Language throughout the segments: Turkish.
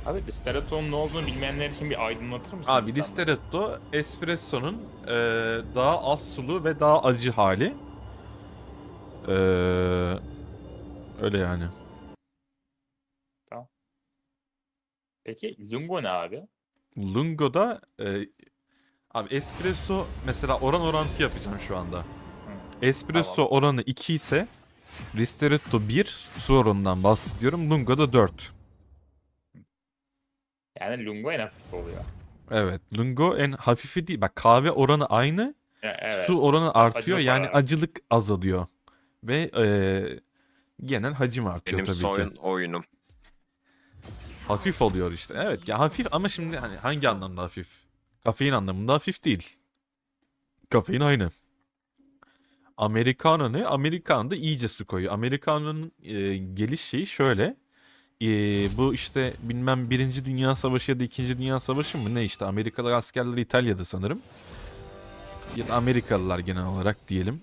Abi Ristoretto'nun ne olduğunu bilmeyenler için bir aydınlatır mısın? Abi lütfen bana? Ristretto espresso'nun daha az sulu ve daha acı hali. Eee, öyle yani. Tamam. Peki Lungo ne abi? Lungo'da abi espresso mesela oran orantı yapacağım şu anda. Hı, Espresso tamam. oranı 2 ise Ristretto 1 su oranından bahsediyorum. Lungo'da 4. Yani Lungo en hafif oluyor. Evet. Lungo en hafifi değil. Bak kahve oranı aynı. Su Evet. oranı artıyor. Acılık var Yani arada. acılık azalıyor. Ve genel hacim artıyor Benim tabii ki. son oyunum. Hafif oluyor işte. Evet ya hafif ama şimdi hani hangi anlamda hafif? Kafein anlamında hafif değil. Kafein aynı. Americano ne? Americano da iyice su koyuyor. Americano'nun geliş şeyi şöyle. Bu işte bilmem Birinci Dünya Savaşı ya da İkinci Dünya Savaşı mı ne işte Amerikalı askerler İtalya'da sanırım. Ya da Amerikalılar genel olarak diyelim.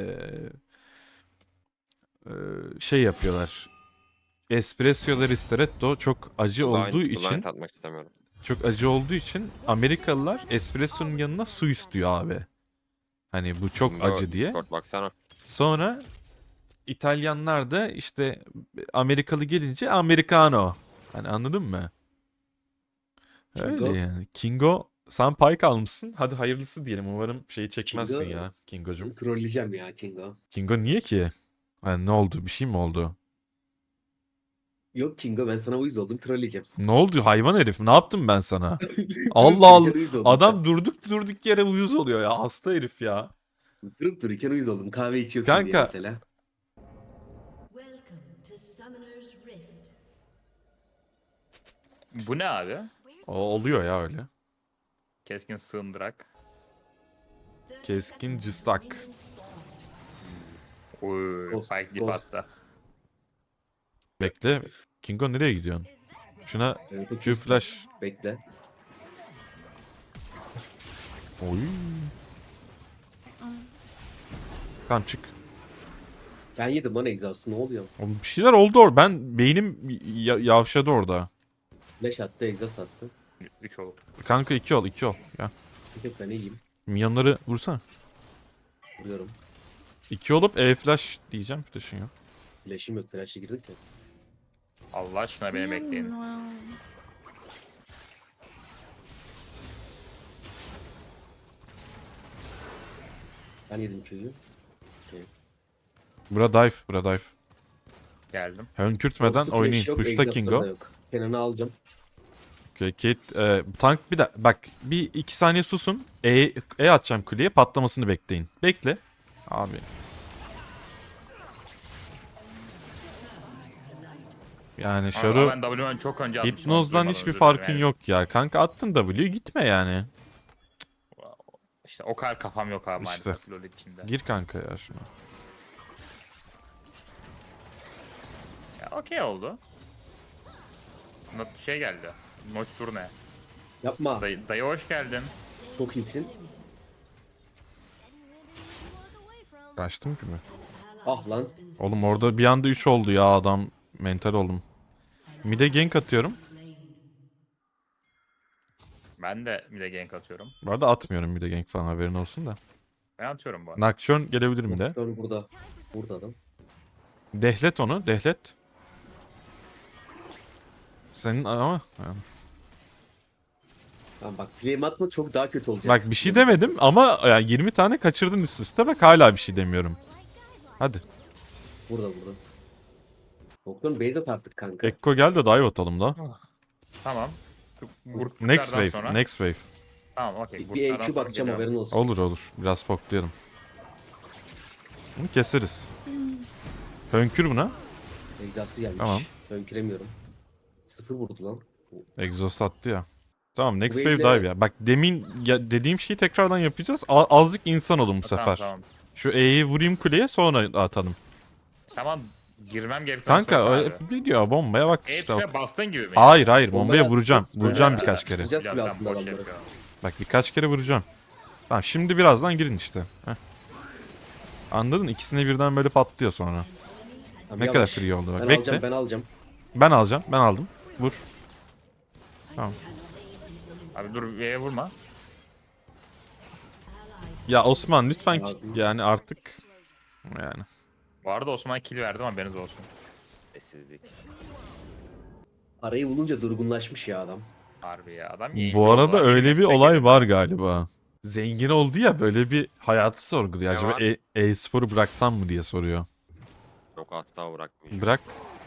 Şey yapıyorlar. Espresso ya da ristretto çok acı olduğu Blind için atmak istemiyorum. Amerikalılar espresso'nun yanına su istiyor abi. Hani bu çok Bunda acı diye. Discord baksana. Sonra İtalyanlar da işte Amerikalı gelince Americano. Hani anladın mı? Öyle Kingo, yani. Kingo sen pay kalmışsın. Hadi hayırlısı diyelim. Umarım şeyi çekmezsin Kingo ya Kingo'cum. trolleyeceğim ya Kingo. Kingo niye ki? Hani ne oldu? Bir şey mi oldu? Yok Kingo ben sana uyuz oldum trolleyeceğim. Ne oldu hayvan herif? Ne yaptım ben sana? Durup Allah Allah. dururken uyuz oldum. Adam durduk yere uyuz oluyor ya. Hasta herif ya. Durup dururken uyuz oldum. Kahve içiyorsun diye Kanka mesela. Welcome to Summoner's Rift. Bu ne abi? o oluyor ya öyle. Keskin sığındırak. Keskin cıstak. Uy, Ghost, Spike dip Ghost. attı. Bekle. Kingo nereye gidiyorsun? Şuna Evet, o Q kesin. flash. Bekle. Oy. Tamam çık. Ben yedim lan exhaust'u ne oluyor? Oğlum bir şeyler oldu orada. Ben beynim yavşadı orada. Flash attı exhaust attı. 3 olur. Kanka 2 ol 2 ol. Gel. Bir tek ben iyiyim. Minyonları vursana. Vuruyorum. 2 olup flash diyeceğim. Flash'ın yok. Flash'im yok. Flash'e girdik ya. Allah aşkına beni bekleyin. Ben yedim Q'yu. Okay. Bura dive. Bura dive. Geldim. Hönkürtmeden Ghost'u flash oynayın. yok. Push'ta Exhaust'ları Kingo. da yok. Kenan'ı alacağım. Okay, Kate, tank bir de bak bir 2 saniye susun. Atacağım kuleye patlamasını bekleyin. Bekle. Abi. Yani Ama Şaru ben W'den çok önce atmışım. hipnozdan duymadan hiçbir özür dilerim farkın yani. yok ya. Kanka attın W gitme yani. İşte o kadar kafam yok abi İşte. maalesef LoL içinde. Gir kanka ya şuna. Ya okey oldu. Şey geldi. Noç turne. Yapma. Dayı hoş geldin. Çok iyisin. Kaçtım ki mi? Ah lan. Oğlum orada bir anda 3 oldu ya adam. Mental oldum. Mid'e gank atıyorum. Ben de bir de gank atıyorum. Bu arada atmıyorum mid'e gank falan haberin olsun da. Ben atıyorum bu arada. Nocturne gelebilir mi de? Nocturne burada. Burada adam. Dehlet onu, dehlet. Senin ama... Tamam bak flame atma çok daha kötü olacak. Bak bir şey demedim ama yani 20 tane kaçırdın üst üste bak hala bir şey demiyorum. Hadi. Burada. Nocturne base at artık kanka. Ekko gel de dive atalım da. Tamam. Next Burklardan wave, sonra. next wave. Tamam okey. Bir Burklardan EQ sonra bakacağım geliyorum. haberin olsun. Olur. Biraz poklayalım. Bunu keseriz. Hönkür buna. Exhaust'u gelmiş. Tamam. Önküremiyorum. 0 vurdu lan. Exhaust attı ya. Tamam next Bu wave wave'le- dive ya. Bak demin dediğim şeyi tekrardan yapacağız. Azıcık insan olun bu sefer. Tamam. Şu E'yi vurayım kuleye sonra atalım. Tamam girmem gerektiğini Kanka söylesene abi. ne diyor bombaya bak E işte. tuşa bastığın gibi mi? Hayır bombaya Bombaya vuracağım. atacağız. Vuracağım Bombaya birkaç kere. atacağız. Biraz bile ben altında boş adamları. yapıyorum. Bak birkaç kere vuracağım. Tamam şimdi birazdan girin işte. Heh. Anladın? İkisine birden böyle patlıyor sonra. Tamam, Ne yavaş. kadar free oldu bak. Ben Bekle. alacağım ben alacağım. Ben alacağım. Ben aldım. Vur. Tamam. Abi dur V'ye vurma. Ya Osman lütfen Abi. yani artık yani. Bu arada Osman'a kill verdim haberiniz olsun. Sessizlik. Arayı bulunca durgunlaşmış ya adam. Harbi ya adam Bu arada oldu, öyle bir destek olay edin. var galiba. Zengin oldu ya böyle bir hayatı sorguluyor. Ne Acaba var? e-sporu bıraksam mı diye soruyor. Çok asla bırakmayacağım. Bırak.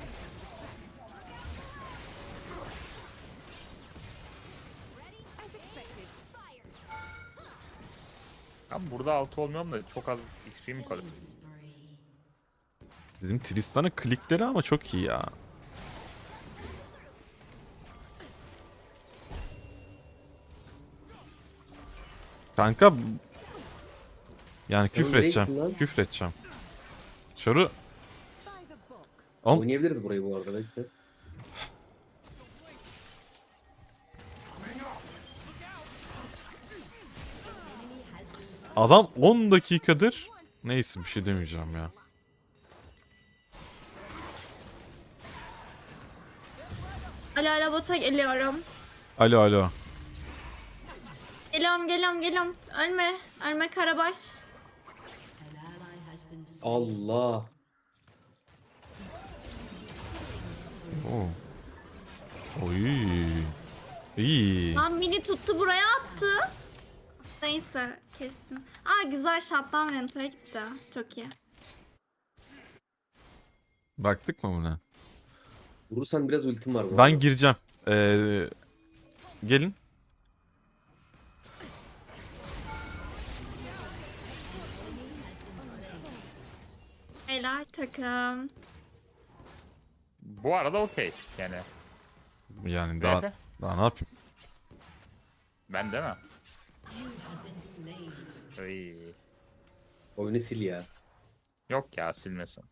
Abi burada 6 olmuyorum da çok az XP mi kalıyor? Bizim Tristan'ın klikleri ama çok iyi ya. Kanka yani küfür nereye edeceğim. gittin lan? Küfür edeceğim. Şoru Oğlum, Oynayabiliriz burayı bu arada belki. adam 10 dakikadır neyse bir şey demeyeceğim ya. Alo alo bota geliyorum. Alo alo. Geliyorum. Ölme. Ölme Karabaş. Allah. Oo. Oy. İyi. Lan mini tuttu buraya attı. Neyse kestim. Aa güzel shotdown rentaya gitti. Çok iyi. Baktık mı buna? Vurursan biraz ultim var bu Ben arada. gireceğim. Gelin. Helal takım. Bu arada okey yani. Yani daha VP. daha ne yapayım? Ben değil mi? Iy. Oyunu sil ya. Yok ya silmesin.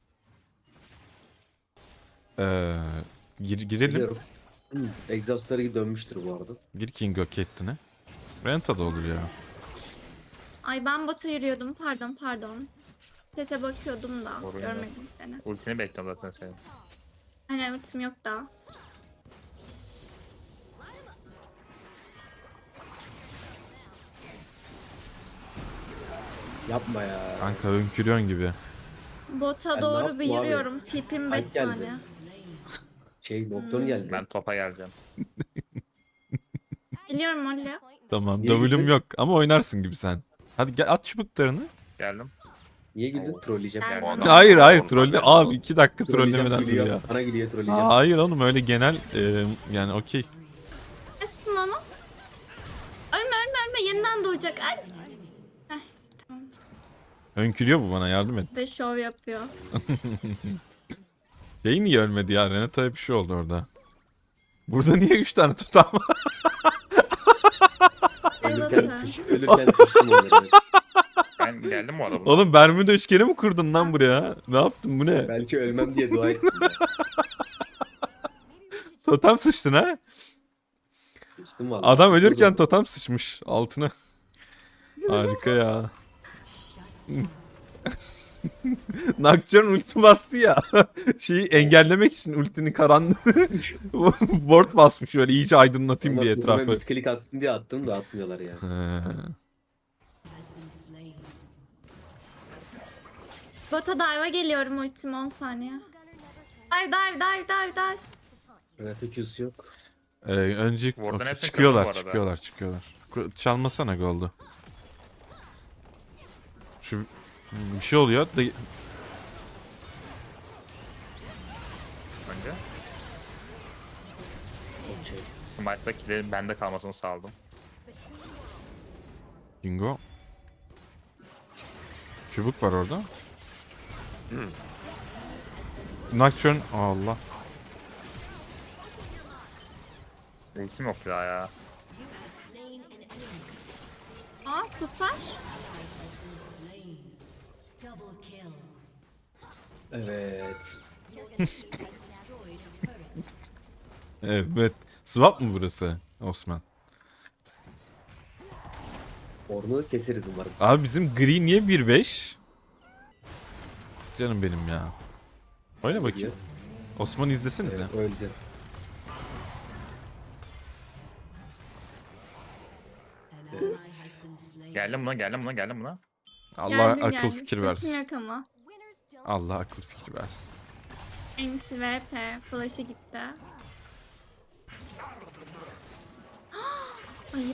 Girelim. Biliyorum. Exhaust'ları dönmüştür bu arada. Gir King of Catelyn'e. Renta da olur ya. Ay ben bota yürüyordum. Pardon. Sete bakıyordum da Sorun yok. görmedim seni. Ultini bekliyorum zaten senin. Hani ultim yok daha. Yapma ya. Kanka önkürüyorsun gibi. Bota Ben ne doğru yaptım bir abi? yürüyorum. Tipim 5 Alp geldi. saniye. Nocturne geldi. Ben topa geleceğim. Geliyorum Molly. Tamam. Niye W'm girdin? yok ama oynarsın gibi sen. Hadi gel at çubuklarını. Geldim. Niye güldün? Trolleyeceğim. Gel. Adam- Hayır Adam- trolle. Abi 2 dakika Trolleyeceğim trollemeden dur gülüyor. ya. Bana gülüyor trolleyeceğim. Hayır oğlum öyle genel yani okey. Kestin onu. Ölme. Yeniden doğacak. Ay. Heh, tamam. Önkürüyor bu bana yardım et. De şov yapıyor. Şey niye ölmedi ya? Renata'ya bir şey oldu orada. Burada niye 3 tane tutam? Ölürken sıçtım onları. Ben geldim bu arada. Oğlum Bermuda üçgeni mi kurdun lan buraya? Ne yaptın bu ne? Belki ölmem diye dua ettim. ya. Totem sıçtın ha? Sıçtım valla. Adam ölürken totem sıçmış altına. Harika ya. Nocturne ulti bastı ya. Şeyi engellemek için ultinin karanlığı ward basmış öyle iyice aydınlatayım diye etrafı. Misklik atsın diye attım da atmıyorlar ya. He. Bota dive'a geliyorum ultim 10 saniye. Dive. Renata Q'su yok. Önce Ward'dan okey, hepsini çıkıyorlar, kırdım bu arada. çıkıyorlar. Çalmasana goldu. Şu bir şey oluyor. Önce. Okey. Smite'da killerin bende kalmasını sağladım. Bingo. Çubuk var orada. Nocturne. Allah. Ultim yok daha ya. Aa süper. Evet. Evet. Swap mı burası Osman? Ornu keseriz umarım. Abi bizim gri niye 1-5? Canım benim ya. Oyna bakayım. Osman izlesenize. Öldü. Geldim buna, geldim buna, geldim buna. Allah Geldim, akıl geldim. fikir Ultim versin. yok ama. Allah akıl fikir versin. Enti VP. Flash'ı gitti. Ayıp.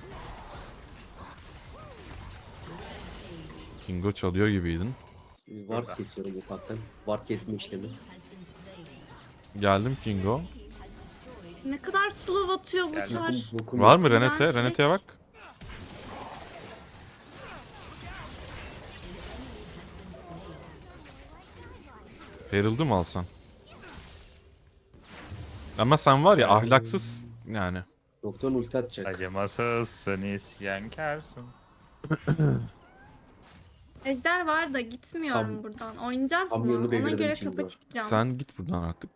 Kingo çalıyor gibiydin. Var kesiyorum ufaktan. Var kesme işlemi. Geldim Kingo. Ne kadar slow atıyor bu Geldim. çar. Bokum Var yok. mı Renate? Ben Renate'ye bak. Herald'ı mı alsan? Ama sen var ya ahlaksız yani. Doktorun ulti atacak. Acımasızsın, isyankarsın. Ejder var da gitmiyorum Tam- buradan. Oynayacağız tam mı? yönünü Ona belirledim göre şimdi tapa o. çıkacağım. Sen git buradan artık.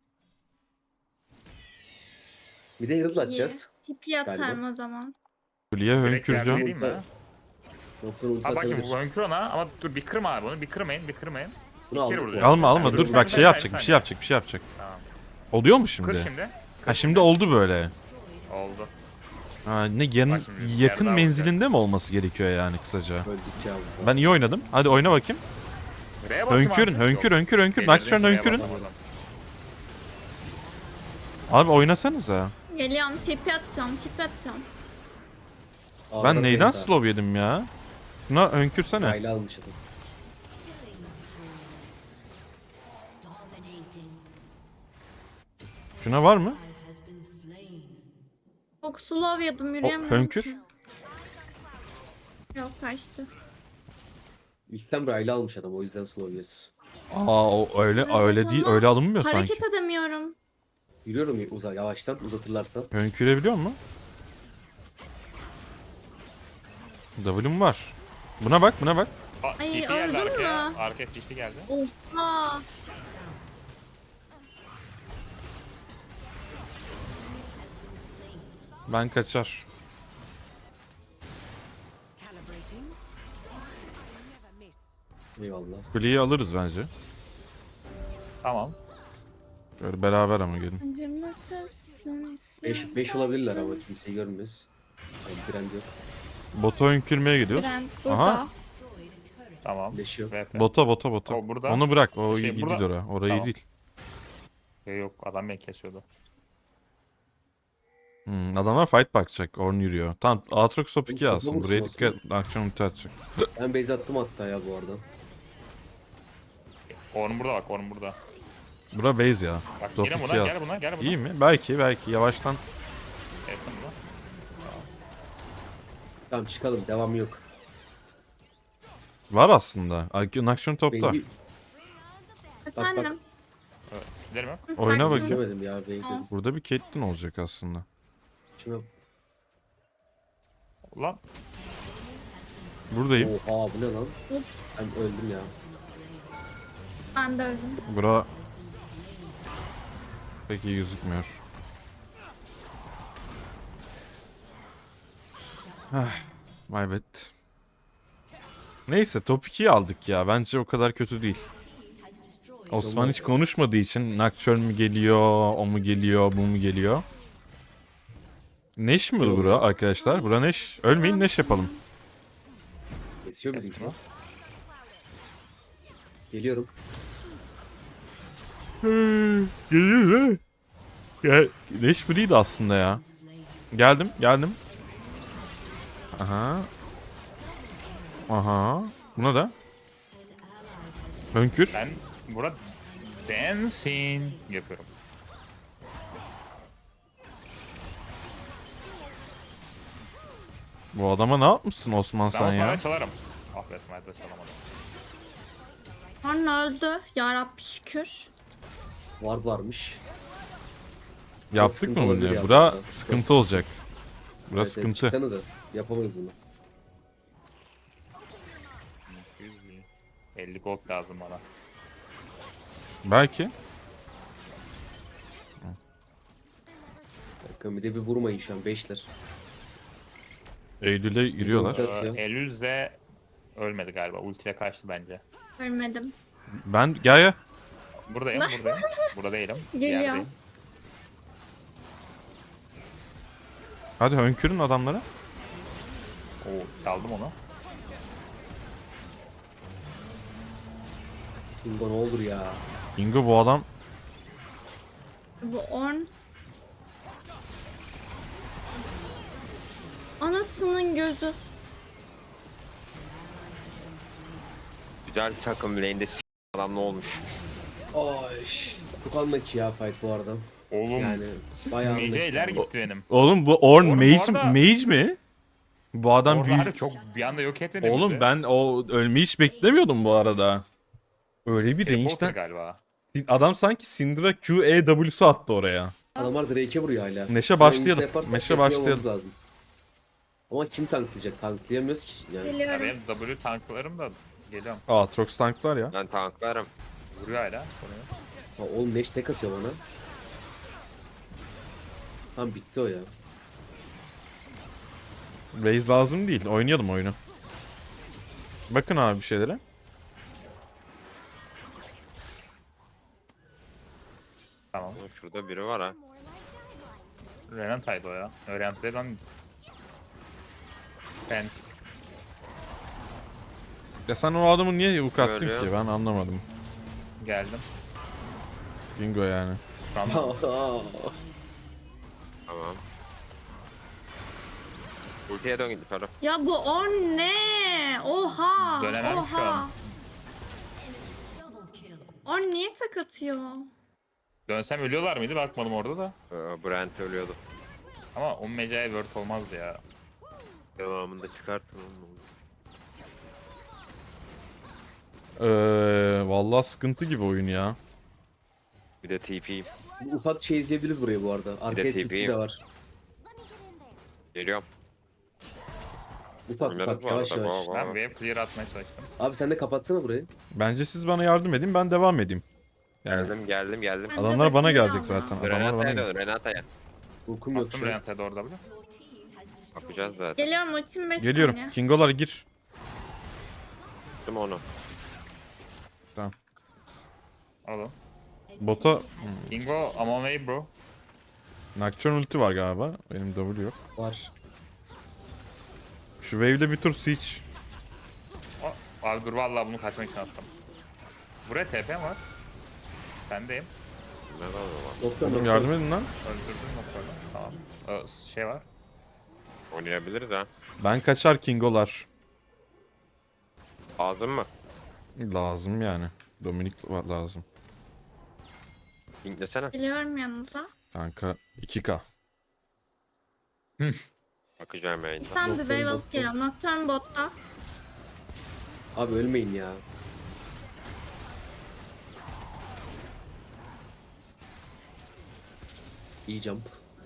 Bir de Herald İyi. atacağız. Tipi atarım Galiba. o zaman. Kuleye Direkt yardım hönküreceğim. edeyim mi? Doktor ulti Ha bakayım atabilir. bu önkür ona ama dur bir kırma abi onu, bir kırmayın, bir kırmayın. Bunu İki kere aldık. vuracağım. Alma alma Sen dur dur, bak sen şey dur, yapacak sen bir şey dur. yapacak bir şey yapacak. Tamam. Oluyor mu Kır şimdi? şimdi. Ha şimdi oldu böyle. Oldu. Ha ne yanın Bak şimdi, yakın yerden menzilinde mi olması gerekiyor yani kısaca? Öldükçe aldık. Ben iyi oynadım. Hadi oyna bakayım. R'ye basayım Hönkürün artık. hönkür Yok. hönkür hönkür. Delirdim, Nocturne R'ye hönkürün. basamadım. Abi oynasanıza. Geliyorum tipi atıyorum, tipi atıyorum. Ben Ağzına neyden penta. slow yedim ya? Buna hönkürsene. Rayla almış adam. Şuna var mı? Çok slow yedim, yürüyemiyorum hönkür. ki. Yok kaçtı. İlkten Rayla almış adam o yüzden slow yes. Aa o öyle Evet öyle değil ama öyle alınmıyor sanki. Hareket edemiyorum. Yürüyorum yavaştan uzatırlarsa. Hönkürebiliyor mu? W'm var. Buna bak buna bak. Aa, Ay, TP geldi öldün arkaya. mü? Arkaya TP geldi. Oha. Ben kaçar. Eyvallah. Kuleyi alırız bence. Tamam. Böyle beraber ama gelin. Acımasızsın 5 olabilirler ama kimseyi görmüyoruz. Yani Brand yok. Bota hönkürmeye gidiyoruz. Brand burada. Aha. Tamam. Flash yok. VP. Bota. O burada. Onu bırak. O Şey, iyi değil burada. oraya. Orayı Tamam. değil. Yok adam beni kesiyordu. Adamlar fight bakacak. Orn yürüyor. Tamam Aatrox top 2 Topa alsın. vursun Buraya olsun. dikkat. Akşam ulti atacak. Ben base attım hatta ya bu arada. Orun burada bak, Orun burada. Bura base ya. Bak Top gel 2 buna, al. gel buna, gel buna. İyi mi? Belki yavaştan. Kesin buna. Tamam çıkalım devamı yok. Var aslında. Nakşon topta. Baby Efendim. Evet, skillerim yok. Oyna Baktım. bakayım. demedim ya baby. Burada bir Caitlyn olacak aslında. Şuna Ulan Buradayım. oha bu ne lan? Ups. Ben öldüm ya. Ben de öldüm. Bura pek iyi gözükmüyor. My bad. Neyse top 2'yi aldık ya. Bence o kadar kötü değil. Osman hiç konuşmadığı için Nocturne mi geliyor, o mu geliyor, bu mu geliyor? Neş mi bura arkadaşlar? Bura Neş. Ölmeyin Neş yapalım. Kesiyor bizimki. Geliyorum. Geliyor değil mi? Ya, Neş free'di aslında ya. Geldim. Aha. Buna da. Hönkür. ben burada dancing yapıyorum. Bu adama ne yapmışsın Osman Ben sen Osman'a ya? çalarım. Ah be Smite'de çalamadım. Orn öldü. Yarabbi şükür. Varmış. Yaptık sıkıntı mı olabilir bunu? ya. Bura Burası sıkıntı olacak. Bura Evet, sıkıntı. Çıksanıza. Yapamayız bunu. 50 gold lazım bana. Belki. Bakın bir de bir vurmayın şu an 5'ler. Eylül'e giriyorlar. Ulti atıyor. Elüze ölmedi galiba. Ultiyle kaçtı bence. Ölmedim. Ben gel. Buradayım. Burada değilim. Bir Geliyor. yerdeyim. Hadi hönkürün adamlara. Oo, Çaldım onu. Bingo ne olur ya. Ingo bu adam Bu Orn. Anasının gözü. Güzel takım lane'de adam ne olmuş? Ay. Çok anlaki ya fight bu arada. Oğlum. Yani bayağı Mece'ler anlaki. gitti benim. oğlum bu Orn Orn bu mage, arada- mage mi? Bu adam Orada büyük. çok bir anda yok etmedi. Oğlum bizi. ben o ölmeyi hiç beklemiyordum bu arada. Öyle bir Teleporter range'den galiba. adam sanki Syndra QEW'su attı oraya. Adamlar Drake'e vuruyor hala. Neşe başlayalım. Hangisi yaparsak Neşe yapıyor başlayalım. olmamız lazım. Ama kim tanklayacak? Tanklayamıyoruz ki işte yani. Ya Geliyorum. benim W tanklarım da geliyorum. Aatrox tanklar ya. Ben tanklarım. Vuruyor hala. Konuyu. Ha, oğlum Neş tek atıyor bana. Tamam bitti o ya. Raze lazım değil. Oynayalım oyunu. Bakın abi bir şeylere. Tamam. Şurada biri var ha. Renantaydı o ya. Renantaydı lan. Ben Ya sen o adamı niye yuk attın Böyle. ki? Ben anlamadım. geldim. Bingo yani. Tamam. Tamam. Ultiye dön gidip Ferhat. Ya bu Orn ne? Oha. Dönemem şu Oha. an. Orn niye tek atıyor? Dönsem ölüyorlar mıydı? Bakmadım orada da. Brent ölüyordu. Ama o Meca'ya word olmazdı ya. Devamında çıkartın onu. Vallahi sıkıntı gibi oyun ya. Bir de TP. Ufak şey izleyebiliriz buraya bu arada. Arkaya TP. tipi de var. Geliyorum. Ufak Oynarız ufak bu yavaş arada, yavaş. bu- Ben wave clear atmaya çalıştım. Abi sen de kapatsana burayı. Bence siz bana yardım edin, ben devam edeyim. Yani Geldim. Bence adamlar bana bekliyor gelecek ama. zaten. Adamlar bana Renata'ya gelecek. dön Renata'ya. Uykum yok Attım şu an. Renantay'a doğru da bile. Bakacağız zaten. Geliyorum ultim 5 Geliyorum. saniye. Kingolar gir. Tuttum onu. Alın. Bota Bingo, I'm on way bro. Nocturne ulti var galiba. Benim W yok. Var. Şu wave'de bir tur siege. Abi dur vallahi bunu kaçmak için attım. Buraya TP var. Bendeyim. Ne var o zaman? Doktor Oğlum doktor. yardım edin lan. Öldürdüm noktada. Tamam. Şey var. Oynayabiliriz ha. Ben kaçar Kingolar. Lazım mı? Lazım yani. Dominik lazım. Linklesene. Geliyorum yanınıza. Kanka 2K. Bakacağım yayında. Sen bir Nocturne wave alıp botta. geliyorum. Nocturne botta. Abi ölmeyin ya. İyi jump.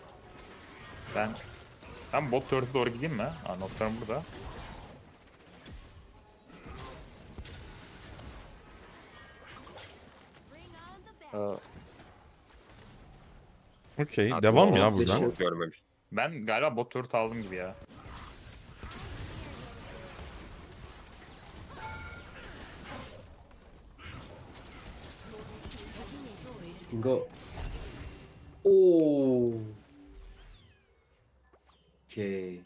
Ben bot turret'e doğru gideyim mi? Aa, notlarım burada. Ee, Okey. Hatta Devam o ya flash'ı buradan. yok. Görmemiş. ben galiba bot turret aldım gibi ya. Go. Oo. Okay.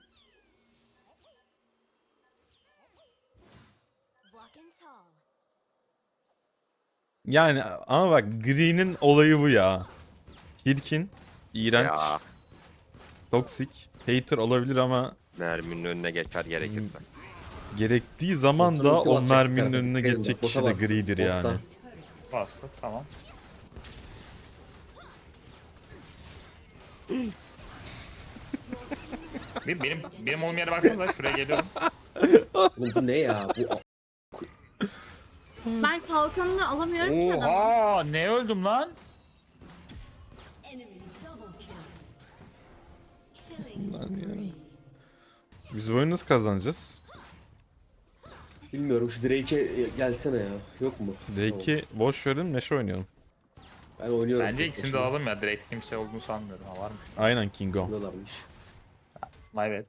Yani ama bak Green'in olayı bu ya. Çirkin, iğrenç, Ya. toksik, hater olabilir ama Merminin önüne geçer gerekirse. gerektiği zaman da Bottan ulti o basacak merminin tarafa önüne dikkat edin geçecek bak, bota kişi de bastı, Gree'dir botta. yani. Bastı tamam. benim olduğum yere baksanıza şuraya geliyorum. Oğlum bu ne ya? Bu Ben kalkanını alamıyorum ki adamı. Oha ne öldüm lan? Biz bu oyunu nasıl kazanacağız? bilmiyorum şu Drake'e gelsene ya. Yok mu? D2 boş verin, Neşe oynayalım. Ben oynuyorum. Bence tek ikisini de başıma. alalım ya. Direkt kimse olduğunu sanmıyorum. Ha varmış. Aynen Kingo. Bundalarmış. My bad.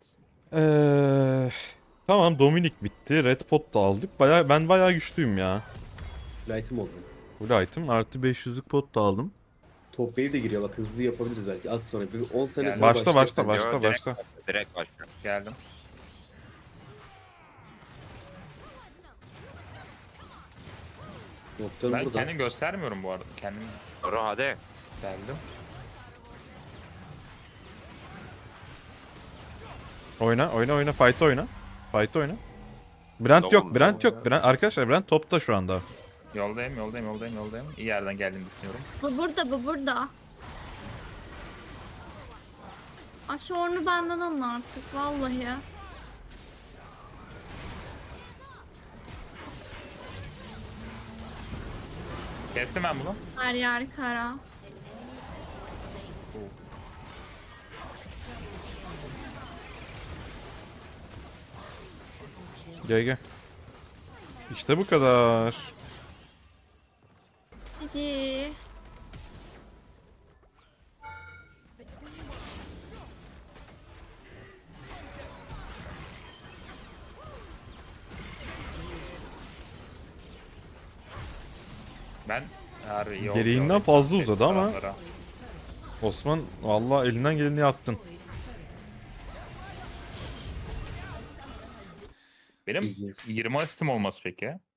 Tamam Dominik bitti. Red Pot da aldık. Ben bayağı güçlüyüm ya. Light'ım oldu. Full item artı 500'lük pot da aldım. Top wave de giriyor bak hızlı yapabiliriz belki az sonra. Bir 10 sene Yani sonra Başla başlayacak. başla Yo, başla direkt başla. Direkt başla. Geldim. Nocturne Ben burada. kendim göstermiyorum bu arada. Kendim Dur hadi. geldim. Oyna oyna oyna fight oyna. Fight oyna. Brent yok, Tamam, Brent tamam yok. Brent, arkadaşlar Brent topta şu anda. Yoldayım. İyi yerden geldiğini düşünüyorum. Bu burada, bu burada. Ay şu ornu benden alın artık vallahi. Kestim ben bunu. Her yer kara. Gel gel. İşte bu kadar. Cici. Ben harbi iyi oldu. Gereğinden fazla uzadı ama Taraflara. Osman vallahi elinden geleni yaptın. Benim 20 asistim olması peki.